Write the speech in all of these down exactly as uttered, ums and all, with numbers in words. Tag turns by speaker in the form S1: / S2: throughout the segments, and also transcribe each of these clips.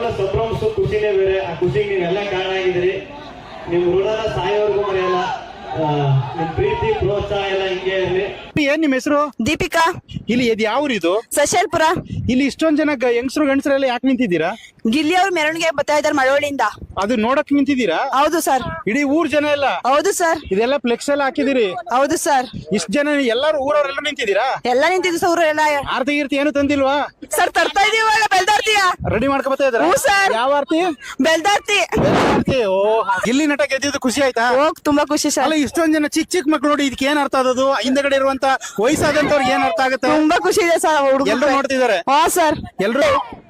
S1: ಸಂಭ್ರಮಿಸೋ ಖುಷಿನೇ ಬೇರೆ. ಆ ಖುಷಿಗೆ ನೀವೆಲ್ಲ ಕಾರಣ ಆಗಿದ್ದೀರಿ. ನಿಮ್ ಋಣನ ಸಾಯೋವರೆಗೂ ಮರೆಯಲ್ಲ. ನಿಮ್ ಪ್ರೀತಿ ಪ್ರೋತ್ಸಾಹ ಎಲ್ಲ ಹಿಂಗೆ ಇರ್ಲಿ.
S2: ಏನ್ ನಿಮ್ ಹೆಸರು?
S3: ದೀಪಿಕಾ.
S2: ಇಲ್ಲಿ ಇದು ಯಾವ ಇದು?
S3: ಸಶಲ್ಪುರ.
S2: ಇಲ್ಲಿ ಇಷ್ಟೊಂದ್ ಜನ ಹೆಂಗಸರು ಗಂಡಸರೆಲ್ಲ ಯಾಕೆ ನಿಂತಿದ್ದೀರಾ?
S3: ಗಿಲ್ಲಿ ಅವ್ರ ಮೆರವಣಿಗೆ ಬರ್ತಾ ಇದಾರೆ ಮಳವಳ್ಳಿಯಿಂದ.
S2: ಅದು ನೋಡಕ್ ನಿಂತಿದ್ದೀರಾ?
S3: ಹೌದು ಸರ್.
S2: ಇಡೀ ಊರ್ ಜನ ಎಲ್ಲ?
S3: ಹೌದು ಸರ್.
S2: ಇದೆಲ್ಲ ಫ್ಲೆಕ್ಸ್ ಎಲ್ಲ ಹಾಕಿದಿರಿ?
S3: ಹೌದು ಸರ್.
S2: ಇಷ್ಟ ಜನ ಎಲ್ಲಾರು ಊರವರೆಲ್ಲ ನಿಂತಿದ್ದೀರಾ?
S3: ಎಲ್ಲ ನಿಂತಿದ್ದು ಸರ್. ಎಲ್ಲ
S2: ಆರತಿ ಗೀರ್ತಿ ಏನು ತಂದಿಲ್ವಾ?
S3: ಸರ್ ತರ್ತಾ ಇದೀವಿ. ಬೆಲ್ದಾರ್ತಿಯ
S2: ರೆಡಿ ಮಾಡ್ಕೊ ಬರ್ತಾ ಇದಾರೆ?
S3: ಸರ್.
S2: ಯಾವ ಆರ್ತಿ?
S3: ಬೆಲ್ದಾರ್ತಿ.
S2: ಓ, ಗಿಲ್ಲಿ ನಟ ಗೆದ್ದಿದ್ದು ಖುಷಿ ಆಯ್ತಾ?
S3: ಹೋಗ್ ತುಂಬಾ ಖುಷಿ ಸರ್.
S2: ಅಲ್ಲ ಇಷ್ಟೊಂದ್ ಜನ ಚಿಕ್ಕ ಚಿಕ್ಕ ಮಕ್ಳು ನೋಡಿ, ಇದಕ್ಕೆ ಏನ್ ಅರ್ಥ ಆದದು? ಹಿಂದಗಡೆ ಇರುವಂತ ವಯಸ್ಸಾದಂತವ್ರಿಗೆ ಏನ್ ಅರ್ಥ ಆಗುತ್ತೆ?
S3: ತುಂಬಾ ಖುಷಿ ಇದೆ ಸರ್. ಹುಡುಗ
S2: ಎಲ್ರು ನೋಡ್ತಿದ್ದಾರೆ?
S3: ಹಾ ಸರ್.
S2: ಎಲ್ರು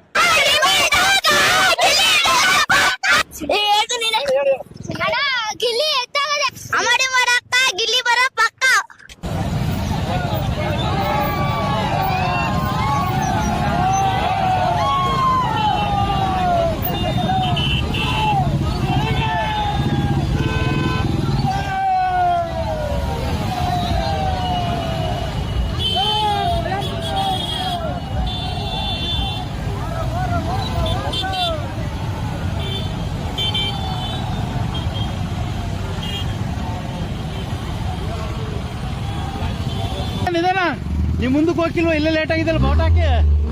S4: ಗಿಲ್ಲಿ ಅಮಡಿ ಮಾಡಕ್ಕ ಗಿಲ್ಲಿ ಬರೋ ಪಕ್ಕ.
S2: ನಿಮ್ ಮುಂದಕ್ಕೆ ಹೋಗಿಲ್ವ? ಇಲ್ಲೇ ಲೇಟ್ ಆಗಿದ್ದಲ್ಲ ಬೋಟ್ ಹಾಕಿ.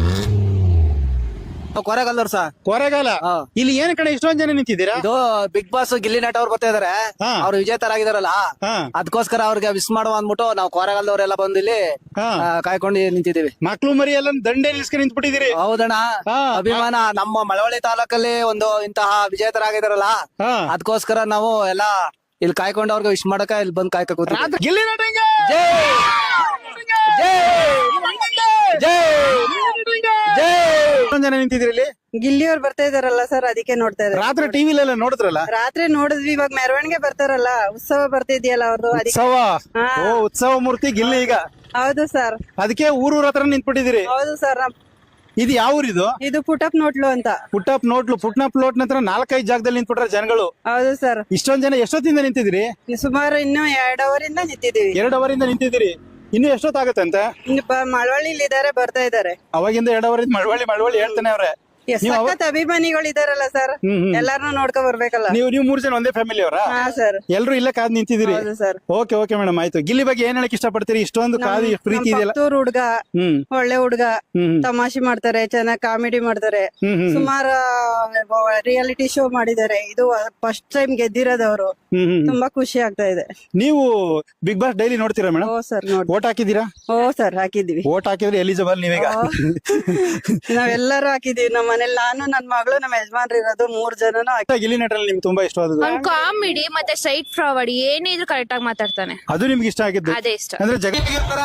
S5: ಕೊರೆಗಾಲದವ್ರು ಸರ್.
S2: ಕೊರೆಗಾಲ. ಇಲ್ಲಿ ಏನ್ ಕಡೆ ಇಷ್ಟೊಂದ್ ಜನ ನಿಂತಿದ್ದೀರಾ?
S5: ಇದು ಬಿಗ್ ಬಾಸ್ ಗಿಲ್ಲಿ ನಟ ಅವ್ರು ಬರ್ತಾ ಇದಾರೆ.
S2: ಹಾ.
S5: ಅವ್ರು ವಿಜೇತರಾಗಿದಾರಲ್ಲ,
S2: ಹಾ.
S5: ಅದಕ್ಕೋಸ್ಕರ ಅವ್ರಿಗೆ ವಿಶ್ ಮಾಡುವ ಅಂದ್ಬಿಟ್ಟು ನಾವು ಕೊರೆಗಾಲದವ್ರೆಲ್ಲ ಬಂದು ಇಲ್ಲಿ
S2: ಹಾ.
S5: ಆ, ಕಾಯ್ಕೊಂಡು ನಿಂತಿದ್ದೀವಿ.
S2: ಮಕ್ಳು ಮರಿ ಎಲ್ಲ ದಂಡೆ ನಿಲ್ಸ್ಕೊಂಡು ನಿಂತ್ಬಿಟ್ಟಿದ್ದೀರಿ.
S5: ಹೌದಣ್ಣ.
S2: ಹಾ.
S5: ಅಭಿಮಾನ ನಮ್ಮ ಮಳವಳ್ಳಿ ತಾಲೂಕಲ್ಲಿ ಒಂದು ಇಂತಹ ವಿಜೇತರಾಗಿದಾರಲ್ಲ,
S2: ಹಾ.
S5: ಅದಕ್ಕೋಸ್ಕರ ನಾವು ಎಲ್ಲ ಇಲ್ಲಿ ಕಾಯ್ಕೊಂಡು ಅವ್ರಿಗೆ ವಿಶ್ ಮಾಡಕ ಇಲ್ಲಿ ಬಂದು ಕಾಯ್ಕ ಕೂತೀವಿ.
S2: ರಾತ್ರಿ ಗಿಲ್ಲಿ ನಟಂಗೆ
S5: ಜೈ ಜೈ ಜೈ ಜೈ.
S2: ಎಷ್ಟೊಂದ್ ಜನ ನಿಂತಿದ್ದೀರಿ ಇಲ್ಲಿ?
S3: ಗಿಲ್ಲಿ ಅವ್ರು ಬರ್ತಾ ಇದಾರಲ್ಲ ಸರ್, ಅದಕ್ಕೆ ನೋಡ್ತಾ ಇದ್ದಾರೆ.
S2: ರಾತ್ರಿ ಟಿವಿಲೆಲ್ಲ ನೋಡಿದ್ರಲ್ಲ?
S3: ರಾತ್ರಿ ನೋಡಿದ್ವಿ. ಇವಾಗ ಮೆರವಣಿಗೆ ಬರ್ತಾರಲ್ಲ, ಉತ್ಸವ ಬರ್ತಿದ್ಯಲ್ಲ ಅವ್ರದ್ದು.
S2: ಉತ್ಸವ.
S3: ಹಾ.
S2: ಓ, ಉತ್ಸವ ಮೂರ್ತಿ ಗಿಲ್ಲಿ ಈಗ.
S3: ಹೌದು ಸರ್.
S2: ಅದಕ್ಕೆ ಊರೂರ ಹತ್ರ ನಿಂತ್ಬಿಟ್ಟಿದ್ದೀರಿ.
S3: ಹೌದು ಸರ್.
S2: ಇದು ಯಾವ ಊರಿದು?
S3: ಇದು ಪುಟಪ್ ನೋಟ್ಲು ಅಂತ.
S2: ಪುಟ್ಟಪ್ ನೋಟ್ಲು. ಪುಟ್ನಪ್ ನೋಟ್ ನಂತರ ನಾಲ್ಕೈದು ಜಾಗದಲ್ಲಿ ನಿಂತ್ಬಿಟ್ರೆ ಜನಗಳು.
S3: ಹೌದು ಸರ್.
S2: ಇಷ್ಟೊಂದ್ ಜನ ಎಷ್ಟೊತ್ತಿಂದ ನಿಂತಿದ್ದೀರಿ?
S3: ಸುಮಾರು ಇನ್ನು ಎರಡು ಅವರಿಂದ ನಿಂತಿದ್ದೀವಿ.
S2: ಎರಡು ಅವರಿಂದ ನಿಂತಿದ್ದೀರಿ. ಇನ್ನು ಎಷ್ಟೊತ್ತಾಗತ್ತೆ ಅಂತ?
S3: ಇನ್ನು ಮಳವಳ್ಳಿಲಿ ಇದಾರೆ, ಬರ್ತಾ ಇದಾರೆ.
S2: ಅವಾಗಿಂದ ಎರಡು ಅವರಿಂದ ಮಳವಳ್ಳಿ ಮಳವಳ್ಳಿ ಹೇಳ್ತಾನೆ ಅವ್ರೆ.
S3: ಸಖತ್ ಅಭಿಮಾನಿಗಳು ಇದಾರಲ್ಲ ಸರ್.
S2: ಹ್ಮ್, ಹ್ಮ್.
S3: ಎಲ್ಲಾರನ್ನೂ ನೋಡ್ಕೊ ಬರ್ಬೇಕಲ್ಲ.
S2: ನೀವು ನೀವು ಮೂರ್ ಜನ ಒಂದೇ ಫ್ಯಾಮಿಲಿ ಅವರ?
S3: ಹಾ ಸರ್.
S2: ಎಲ್ರು ಇಲ್ಲೇ ಕಾದ್ ನಿಂತಿದ್ದೀರಿ?
S3: ಹೌದು ಸರ್.
S2: ಓಕೆ ಓಕೆ ಮೇಡಮ್, ಆಯ್ತು. ಗಿಲ್ಲಿ ಬಗ್ಗೆ ಏನ್ ಹೇಳಕ್ ಇಷ್ಟಪಡ್ತೀರಿ? ಇಷ್ಟೊಂದು ಕಾದು ಪ್ರೀತಿ ಇದೆಯಲ್ಲ.
S3: ಹುಡುಗ
S2: ಹ್ಮ್
S3: ಒಳ್ಳೆ ಹುಡುಗ.
S2: ಹ್ಮ್
S3: ತಮಾಷೆ ಮಾಡ್ತಾರೆ, ಚೆನ್ನಾಗಿ ಕಾಮಿಡಿ ಮಾಡ್ತಾರೆ.
S2: ಹ್ಮ್ ಹ್ಮ್
S3: ಸುಮಾರು ರಿಯಾಲಿಟಿ ಶೋ ಮಾಡಿದ್ದಾರೆ. ಇದು ಫಸ್ಟ್ ಟೈಮ್ ಗೆದ್ದಿರೋದವ್ರು.
S2: ಹ್ಮ್ ಹ್ಮ್.
S3: ತುಂಬಾ ಖುಷಿ ಆಗ್ತಾ ಇದೆ.
S2: ನೀವು ಬಿಗ್ ಬಾಸ್ ಡೈಲಿ ನೋಡ್ತೀರಾ ಮೇಡಮ್?
S3: ಓ ಸರ್ ನೋಡಿ.
S2: ಓಟ್ ಹಾಕಿದೀರಾ?
S3: ಓ ಸರ್ ಹಾಕಿದ್ವಿ.
S2: ಓಟ್ ಹಾಕಿದ್ರೆ ಎಲಿಜಿಬಲ್ ನೀವೀಗ?
S3: ನಾವೆಲ್ಲರೂ ಹಾಕಿದೀವಿ. ನಮ್ಮ ಮನೇಲಿ ನಾನು, ನನ್ ಮಗಳು, ನಮ್ಮ ಯಜಮಾನ್ರು ಇರೋದು ಮೂರ್ ಜನನು.
S2: ಗಿಲ್ಲಿ ನಟರಲ್ಲಿ ನಿಮ್ಗೆ ತುಂಬಾ ಇಷ್ಟವಾದದ್ದು?
S6: ಅವ್ನ್ ಕಾಮಿಡಿ ಮತ್ತೆ ಸ್ಟ್ರೈಟ್ ಫಾರ್ವರ್ಡ್, ಏನೇ ಇದ್ರು ಕರೆಕ್ಟ್ ಆಗಿ ಮಾತಾಡ್ತಾನೆ.
S2: ಅದು ನಿಮ್ಗೆ ಇಷ್ಟ ಆಗಿದ್ದು?
S6: ಅದೇ ಇಷ್ಟ.
S2: ಅಂದ್ರೆ ಜಗತ್ತಿಗಿರ್ತಾರ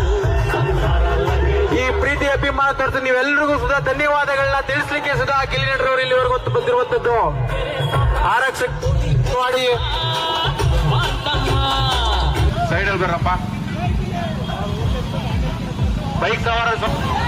S7: ಈ ಪ್ರೀತಿ ಅಭಿಮಾನ ತೋರಿಸಿ ನೀವೆಲ್ಲರಿಗೂ ಸುಧಾ ಧನ್ಯವಾದಗಳನ್ನ ತಿಳಿಸ್ಲಿಕ್ಕೆ ಸುಧಾ ಗಿಲ್ಲಿ ನಟರವರು ಇಲ್ಲಿವರೆಗೂ ಬಂದಿರುವಂತದ್ದು. ಆರಕ್ಷಕ ಮಾಡಿ ಸೈಡಲ್ಲಿ ಬರಪ್ಪ. ಬೈಕ್ ಸವಾರ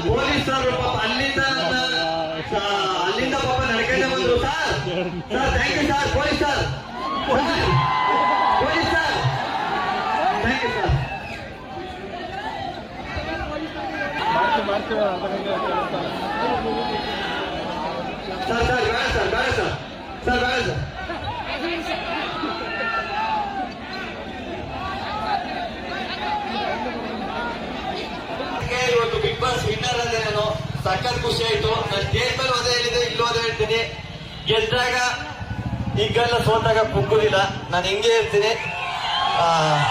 S1: ಪೊಲೀಸರು ಪಾಪ ಅಲ್ಲಿಂದ ಸ- ಅಲ್ಲಿಂದ ಪಾಪ ನಡ್ಕೊಂಡೆ ಬಂದ್ರು sir sir thank you sir police sir police sir thank you sir sir sir ಬೇಡ ಸರ್ ಬೇಡ ಸರ್ ಸರ್ ಬೇಡ ಸರ್ ಇವತ್ತು ಬಿಗ್ ಬಾಸ್ ವಿನ್ನರ್ ಅದೇ ನಾನು ಸಖತ್ ಖುಷಿ ಆಯ್ತು. ನಾನು ಸ್ಟೇಜ್ ಮೇಲೆ ಅದೇ ಹೇಳಿದೆ, ಇಲ್ಲೂ ಅದೇ ಹೇಳ್ತೀನಿ, ಗೆದ್ದಾಗ ಈಗೆಲ್ಲ ಸೋತಾಗ ಕುಗ್ಗುದಿಲ್ಲ, ನಾನು ಹಿಂಗೆ ಇರ್ತೀನಿ. ಆ,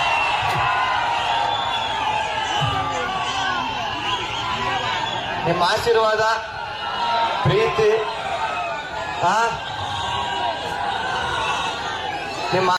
S1: ನಿಮ್ಮ ಆಶೀರ್ವಾದ ಪ್ರೀತಿ ಆ ನಿಮ್ಮ